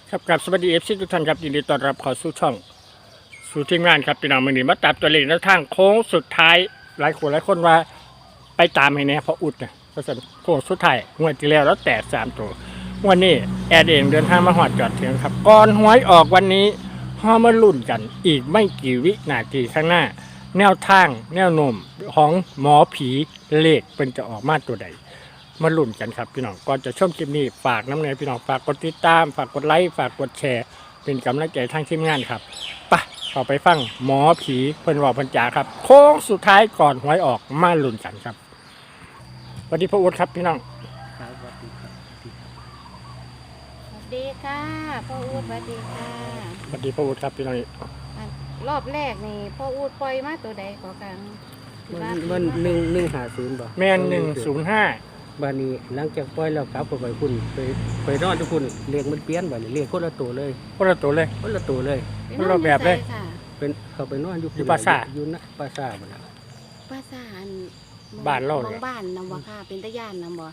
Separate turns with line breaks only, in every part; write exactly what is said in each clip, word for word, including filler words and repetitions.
ครับกับสวัสดีเอฟซีทุกท่านครับยินดีต้อนรับเข้าสู่ช่องสู่ทีมงานครับพี่น้องมือนี้มาตัดตัวเลขแนวทางโค้งสุดท้ายหลายคนหลายคนว่าไปตามให้แน่เพราะอุดนะเพราะฉะนั้นโค้งสุดท้ายงวดที่แล้วแล้วแตกสามตัววันนี้แอดเองเดินทางมาหอดจอดถึงครับก่อนหวยออกวันนี้ห้อมาลุ้นกันอีกไม่กี่วินาทีข้างหน้า แนวทางแนวโน้มของหมอผีเลขเป็นจะออกมาตัวใดมาลุ้นกันครับพี่น้องก่อนจะชมคลิปนี้ฝากน้ำเนยพี่น้องฝากกดติดตามฝากกดไลค์ฝากกดแชร์เป็นกำลังใจทางทีมงานครับไปเข้าไปฟังหมอผีเพิ่นบอกเพิ่นจ๋าครับโค้งสุดท้ายก่อนหวยออกมาลุ้นกันครับสวัสดีพ่ออุดครับพี่น้อง
ครับสวัสดีครับ
สวัสดีค่ะพ่ออูดสวัสดีค่ะ
สวัสดีพ่ออุดครับพี่น้อง
อ่ะรอบแรกนี่พ่ออูดปล่อยมาตัวใดขอกัน
มันมันหนึ่งหนึ่งหาศูนย์บ่
แม่นหนึ่งศูนย์ห้า
บ้านนี้หลังจากปล่อยแล้วกลับไปไปคุณไปไปนอนทุกคุณเรียกมันเปลี่ยนบ่นี่เรียกคนละตัวเลย
คนละตัวเลย
คนละตัวเลย
ไป
คนละแบบเลย
อค่ะ
เป็นเขาไปนอนอยู่
อยู่ปราสาท
อยู่นะปราสาทบ่นะ
ภาษาอัน
บ้านเรา
ม
เนี่
อย งบ้านนำบ่ค่ะเป็นตะย่านนำบ่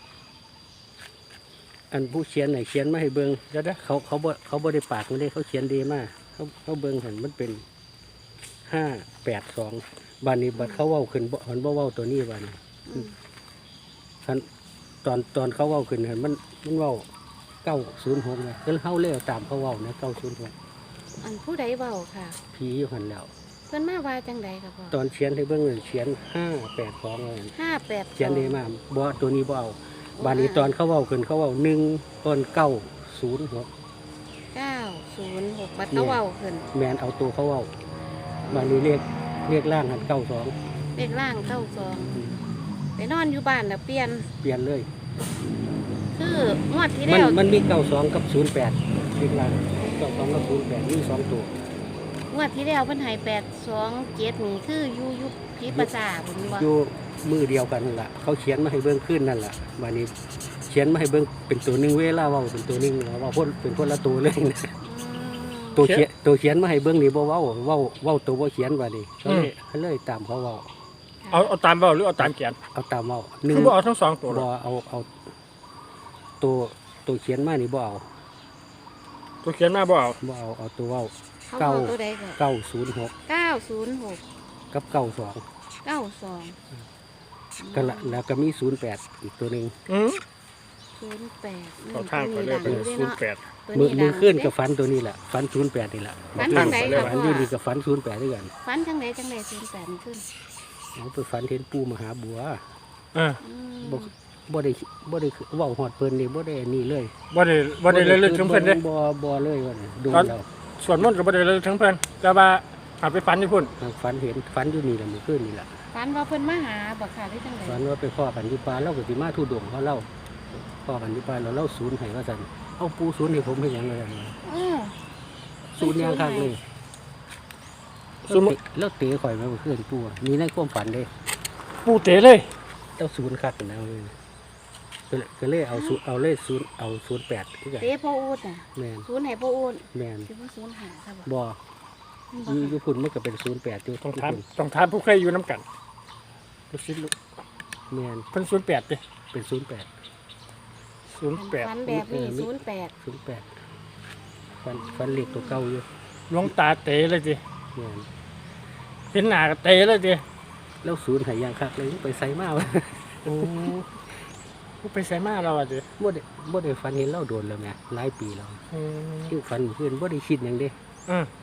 อันผู้เขียนไหนเขียนมาให้เบิ่ง
เดี๋ยวเด้อ
เขาเขาบ่เขาบ่ได้ปากมันเลยเขาเขียนดีมากเขาเขาเบิ่งเห็นมันเป็นห้าแปดสองบ้านนี้บัดเขาเว้าขึ้นบ่หันบ่เว้าตัวนี้บ้านนี้
อืม
คันตอนตอนเขาเว้าขึ้นเห็นมันมันเว้าเก้าศูนย์หกนะก็เฮาเลี้ยวตามเขาเว้านะเก้าศูนย์หก
อันผู้ใดเว้าค่ะ
ผีอยู่หันแล้ว
เพิ่นมาว่าจังใดค่ะพ่อ
ตอนเขียนให้เบิ่งนั่นเขียนห้าแปดสองเลย
ห้าแปด
เขียนดีมากบ่ตัวนี้บ่เอาบานนี้ตอนเขาเว้าขึ้นเขาเว้าหนึ่งตอนเก้าศูนย์หก
เก้าศูนย์หกบัดเขาเว้าขึ้น
แมนเอาตัวเขาเว้าบานนี้เรียกเรียกล่างหันเก้าสอง
เลขล่างเก้าสองไปนอนอยู่บ้านแล้วเปลี่ยน
เปลี่ยนเลย
คืองวดที่
มัน
แล้ว
มันมีเก้าสองกับศูนย์แปดเรียกล่างเก้าสองกับศูนย์แปดมีสองตัว
งวดที่แล้วเพิ่นให้แปดสองเจ็ดนี่คืออยู่อยู่พิภาษาผมว่า
อยู่มือเดียวกันนั่นล่ะเขาเขียนมาให้เบิ่งขึ้นนั่นล่ะบานนี้เขียนมาให้เบิ่งเป็นตัวหนึ่งเวลาเว้าเป็นตัวหนึ่งแล้วว่าพ่นเป็นคนละตัวเลยนะ ตัวเขียนตัวเขียนมาให้เบื้องนี่บ่เว้าเว้าเว้าตัวบ่เขียนว่านี่เขาเลยเขาเลยตามเขาเว้า
เอาเอาตามเบาหรือเอาตามเขียน
เอาตามเว้าหนึ่ง
คือบ่เอาทั้งสองตัวหร
บ่
อก
เอาเอาตัวตัวเขียนมานี่บ่เอา
ตัวเขียนมาบ่เอา
บ่เอาเอาตัวเว้า
เขา
เก้า
บอกตัวใดก่อน
เก้าศูนย์หก
เก้าศูนย์หก
กับเก้าสอง
เก้าสอง
กันละแล้วก็มีศูนย์แปดอีกตัวหนึง
อืม
ศูนย์แปด
เขาทางไปเลยเป็นศูนย์แปด
มือมือขึ้นกับฟันตัวนี้แหละฟันศูนย์แปดนี่แหละ
ฟันจังไหน
เลย
ค่ะ
ฟัน
พ่
อ
อยู่
นี่กับฟันศูนย์แปดด้วยกัน
ฟันจังไหนจังไหนศูนย์แปดขึ้น
เอาไปฟันเห็นปู่มหาบัว
อ่า
อืม
บ่บ่ได้บ่ได้เว้าฮอดเพิ่นนี่บ่ได้นี่เลย
บ่ได้บ่ได้เลยลึกถึงเพิ่นเด้
บ่บ่เลยว่านี่ดูแล้ว
ส่วนมนต์ก็บ่ได้เลยลึกถึงเพิ่นแต่ว่าเอาไปฝันที่พุ่น
ฝันเห็นฝันอยู่นี่แหละเมื่อคืนนี่แหละ
ฟันว่าเพิ่นมาหาบอกค่ะที่จังไหน
ฝันว่าไปพ่อกันที่ป่าเล่ากับที่มาทุดงเขาเล่าพ่อกันที่ป่าเราเล่าศูนย์ให้ว่าสันเอาปูศูนย์ให้ผมให้หยังเลย
เออ
ศูนย์ยังคักเลย
ศูนย์
แล้วเตะข่อยมาเมื่อคืนปูอะมีในความฝันเลย
ปูเตะเลย
เจ้าศูนย์คักนะเลยก็เลยก็เลยเอาศูนย์เอาเลขศูนย์เอาศูนย์แปดที่กัน
เต้พ่ออูดน่ะ
แมน
ศูนย์ให้พ่ออูด
แมน
คือว่าศูนย์หาค่ะบอก
บ่
บ่
อยูอยูพุ่นมันก็เป็นศูนย์แปดอยู่
ต้อง
ที่
ถาม
พุ่น
ต้องถามผู้เคยอยู่น้ำกันลูกศิษย์ลูก
แมน
เพิ่นศูนย์แปดดิ
เป็นศูนย์แปด
ศูนย์แปด
ฟันแบบนี้ศูนย์แปด
ศูนย์แปดฝันฝันเล็กตัวเก่าอยู่
หลวงตาเตะเลยดิ
แมน
เห็นหน้าก็เตะเลยดิ
แล้วศูนย์ใหายยังคักเลยไปใส่มากวะ
โอ้ผู้ไปใส่มาเราอ่ะดิ
บ่ได้บ่ได้ฝันเห็นเล่าโดนแล้วแม่หลายปีแล้ว
อืม
ที่ฝันเพื่อนบ่ได้คิดหยังเด้
อืม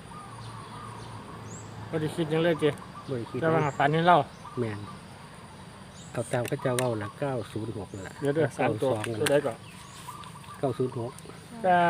บ่ได้คิดหยังเลยดิ
บ่ได้คิด
แต่ว่าฝันเห็นเรา
แม่นเอาตามเขาเจ้าเว้าละเก้าศูนย์หกนั่นล่ะ
เดี๋ยวเด้อสามตัว
เก้าสองนั่น
ตัว
ล่ะ
ใดก่อน
เก้าศูนย์หก
เก้า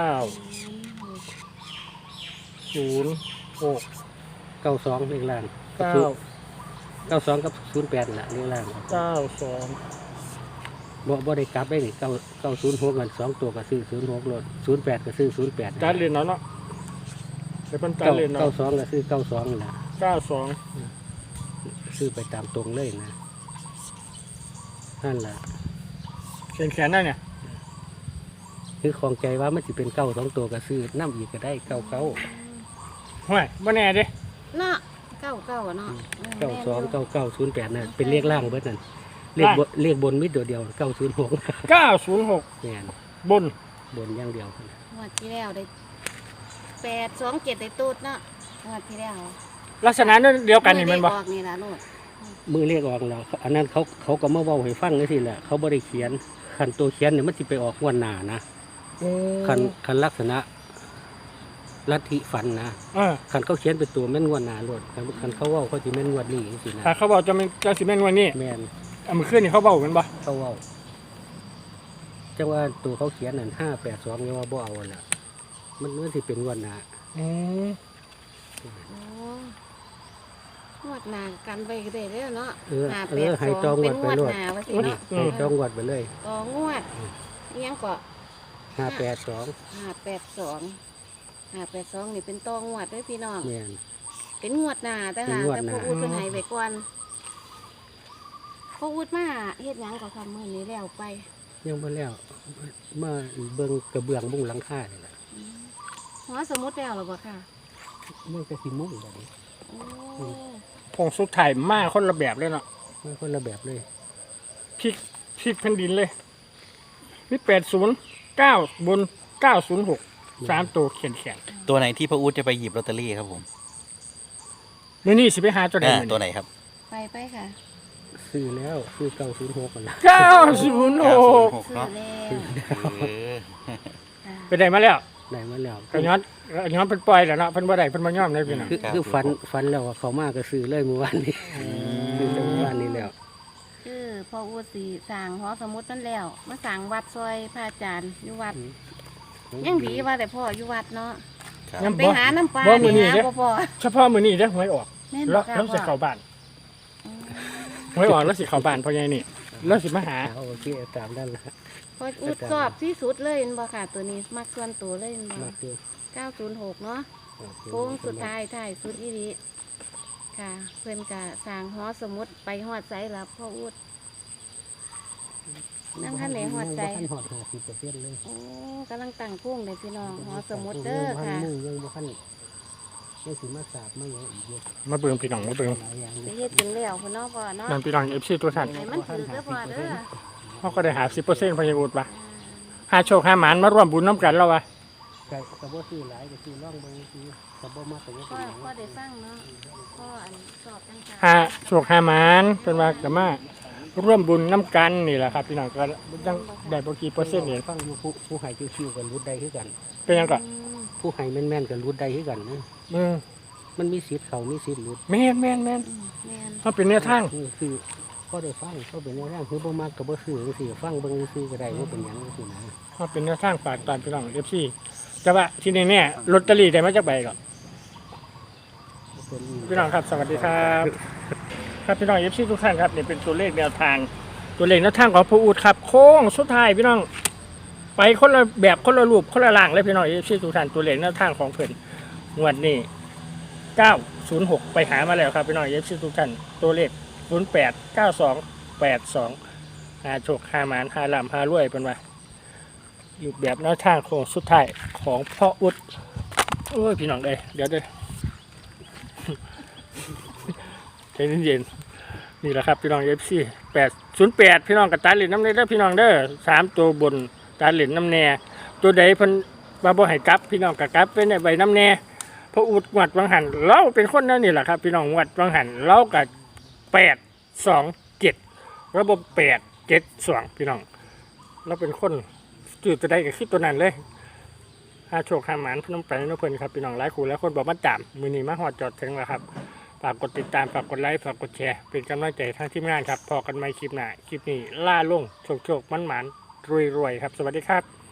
ศูนย์หก
เก้าสองเลขล่าง
เก้า
เก้าสองกับศูนย์แปดนั่นล่ะเลขล่าง
เก้าสอง
บ่บ่ได้กลับได้นี่เก้าเก้าศูนย์หกกันสองตัวก็ซื้อศูนย์หกโลดศูนย์แปดก็ซื้อศูนย์แปด
ตัดเรียนเนาะเนาะเดี๋ยวเพิ่นตัด
เก้า
เรียนเนาะ
เก้าสองก็ซื้อเก้าสองนั่นล่ะ
เก้าสอง
ซื้อไปตามตรงเลยนะนั่นล่ะ
เขียนแขนได้เนี่ย
คือของใจว่ามันสิเป็นเก้าสองตัวก็ซื้อน้ำอีกก็ได้เก้าเก้า
ห่วยบ่แน่เด้
เนาะเก้าเก้าเนาะ
เก้าสองเก้าเก้าศูนย์แปดนั่นเป็นเลขล่างเบิดนั่นเลขบนเลขบนมิดตัวเดียวเก้าศูนย์หก
เก้าศูนย์หก
แม่น
บน
บนอย่างเดียว
องวดที่แล้วได้แปดสองเจ็ดได้ตูดเนาะงวดที่แล้ว
ลักษณะนั้นเดียวกันนี่แมันบ่
ออกนี่ล่ะโลด
มือเรียกออกแล้วอันนั้นเขาเขาก็มาเว้าให้ฟังจังซี่แหละเขาบ่ได้เขียนคันตัวเขียนเนี่ยมันสิไปออกงวดหน้านะคันคันลักษณะลัทธิฝันนะ
เออ
คันเขาเขียนเป็นตัวแม่นงวดหน้าโลดคันคันเขาเว้าเขาสิแม่นงวดนี้จังซี่นะ
ถ้าเขาบอกจะเป็นจะสิแม่นวันนี้
แม่น
เอามือขึ้นนี่เขาบอกกันบ่
เขาเว้าจังว่าตัวเขาเขียนนั่นห้าแปดสองยังว่าบ่เอาล่ะมันมันสิเป็นงวดหน้า
อืม
โอ้งวดหน้ากันไปก็ได้แล้วเนาะ
เออ
ห้า
เอ
แป
อ
ด
ให้
ส
จ
อ
อง ง
เป็
งวน ด
ง
ไป
วด
โลด
หน้าว่าสิ
ให้
เนาะ
ให้จองงวดไปเลย
ต่องวดอิหยังก็
ห้าแปดสอง
ห้าแปดสองห้าแปดสองนี่เป็นต่องวดเด้วยพี่น้อง
แม่น
เป็นงวดหน้าแต่
เป็น
หาง
วด
แต่
หน้า
พวกอุดเพิ่นให้ไว้ก่อนพวกอุดมาเฮ็ดหยังก็ทำมื้อนี้แล้วไป
ยังบ่แล้วมาเบิ่งกระเบื้องมุงหลังคานี่ล่ะ
อืมหัวสมุดแล้วหรอบ่ค่ะ
มันก็สิมุงแบบนี้
โอ้
ผงสุดท้ายมาคนละแบบเลยเนาะ
มันคนละแบบเลย
พลิกพลิกแผ่นดินเลยนี่แปดศูนย์เก้าบนเก้าศูนย์หกสามตัวเขียนแขน
ตัวไหนที่พระอู๊ดจะไปหยิบลอตเตอรี่ครับผม
มื้อนี้สิไปหาตัวใด
อ่า
มื้อ
ตัว
นี้
ไหนครับ
ไปไปค่ะ
ซื้อแล้วซื้อเก้าศูนย์หกกันละ
เก้าศูนย์หก
หก
ซื้อ
เนาะ
แล้ว
เออ
ค่ะ
ไปได้มาแล้ว
ได้มาแล้ว
ก็ย้อนก็ย้อนเป็นปล่อยแล้วเนาะเพิ่นบ่ได้เพิ่นบ่ยอมเลยพี่น้อง
คือคือฟันฟันแล้วอะเขามาก็ซื้อเลยเมื่อวานนี้ซื้อแต่เมื่อวานนี้แล้ว
คือพออุดสิสร้างหอสมุดนั่นแล้วมาสร้างวัดซอยพระอาจารย์อยู่วัดยังดีว่าแต่พ่ออยู่วัดเนาะ
ครับ
ยัง
ไป
บ่
หาน้ำปลา
บ่มื้อนี้
หา
เด้
บ่พอ
เฉพาะมื้อนี้เด้อหวยออก
แม่น
แล้
บ่
ว
ค่ะ
แล้วสิ
พ่อ
เข้าบ้าน
อืม
หวยออกแล้วสิเข้าบ้านเพราะไงนี่แล้วสิมาหา
เอาโอเคตามนั้นละ
พออุดสอบที่สุดเลยเห็นบ่ค่ะตัวนี้มักส่วนตัวเลยเห็นบ่
มาคือ
เก้าศูนย์หกเนาะโค้งสุดท้ายท้ายสุดอีหลีค่ะ เพิ่นก็สร้างหอสมุดไปฮอดไสล่ะพ่ออุด นั่งคันไหนหอดใจ
ยังบ่ทันหอดห้าสิบเปอร์เซ็นต์เลย
โอ้กำลังตั้งพุ่งเลยพี่น้องหอสมุดเด้อค่ะ
ยังบ่ทันมุ่งยังบ่ทันยังสิมาสาบมาหยังอีกเยอะ
มาเบิ่งพี่น้องมาเบิ่ง
หลายอย่าง
ไป
เลย
เฮ็ดกินแล้วพ่อเนาะพ่อเนาะ
นั่นพี่น้อง เอฟ ซี ตัวท่าน
ให้มันถือก็พอเด้อ
เฮาก็ได้หาสิบเปอร์เซ็นต์พยาบุตรป่ะหาโชคหาหมานมาร่วมบุญน้ำกันแล้ววะ
ก็ก็บ่ซื้อหลายก็ซื้อร่องเบิ่งซื้อก็บ่มากก็บ่
พ่
เป็
อน
หยัง
พ่อได้ฟังเนาะพ่ออันสอบจัง
หาโชคหาหมานเป็นว่าก็มาร่วมบุญน้ำกันนี่แหละครับพี่น้องก็ยังได้บ่กี่เปอร์เซ็นต์นี่
ฟังอยู่ผู้ผู้ให้คิวๆกันรุดได้คือกัน
เป็นหยังก็
ผู้ให้แม่นๆกันรุดได้คือกันนะ
อืม
มันมีสิทธิ์เขามีสิทธิ์รุด
แม่นแม่นแม่น
แม่น
มันเป็นแนวทาง
นี่คือก็ได้ฟังก็เป็นแนวทางคือบ่มักก็บ่ซื้อจังซี่ฟังเบิ่งซื่อๆก็ได้ว่าเป็นหยังจังซี่นะ
มันเป็นแนวทางฝากตอนพี่น้อง เอฟ ซี แต่ว่าที่นี่เนี่ยลอตเตอรี่ได้มาจากใบก่อน
เป็น
พี่น้องครับสวัสดีครับ ครับพี่น้อง เอฟ ซี ทุกท่านครับนี่เป็นตัวเลขแนวทาง ตัวเลขแนวทางของผู้อูดครับโค้งสุดท้ายพี่น้อง ไปคนละแบบคนละรูปคนละล่างเลยพี่น้อง เอฟ ซี ทุกท่านตัวเลขแนวทางของเพิ่นงวดนี้เก้าศูนย์หกไปหามาแล้วครับพี่น้อง เอฟ ซี ทุกท่านตัวเลขศูนย์แปด เก้าสอง แปดสองหาโชคหาหมานหาลำหารวยเป็นว่าอยู่แบบแนวทางโค้งสุดท้ายของพ่ออุดโอ้ยพี่น้องเอ้ยเดี๋ยวเด้อ ใจเย็นๆนี่แหละครับพี่น้องเอฟซีแปดศูนย์แปดพี่น้องกับตาเหรียญน้ำเนยเด้อพี่น้องเด้อสามตัวบนตาเหรียญน้ำแน่ตัวใดเพิ่นมาบ่ให้กลับ พี่น้องกับกลับเป็นใบน้ำแน่พระอุดงวดวังหันเราเป็นคนนั่นนี่แหละครับ พี่น้องงวดวังหันเรากับแปดสองเจ็ดระบบแปดเจ็ดสองพี่น้องเราเป็นคนจืดตัวใดกับคิดตัวนั้นเลยหาโชคหาหมานพนมไปนเพิ่นครับพี่น้องหลายคู่แล้วคนบอกมาจามมือนี้มาหอดจอดถึงแล้วครับ ฝากกดติดตามฝากกดไลค์ฝากกดแชร์เป็นกำลังใจทั้งทีมงานครับพอกันใหม่คลิปหน้าคลิปนี้ล่าลงโชคโชคมันหมานรวยรวยครับ สวัสดีครับ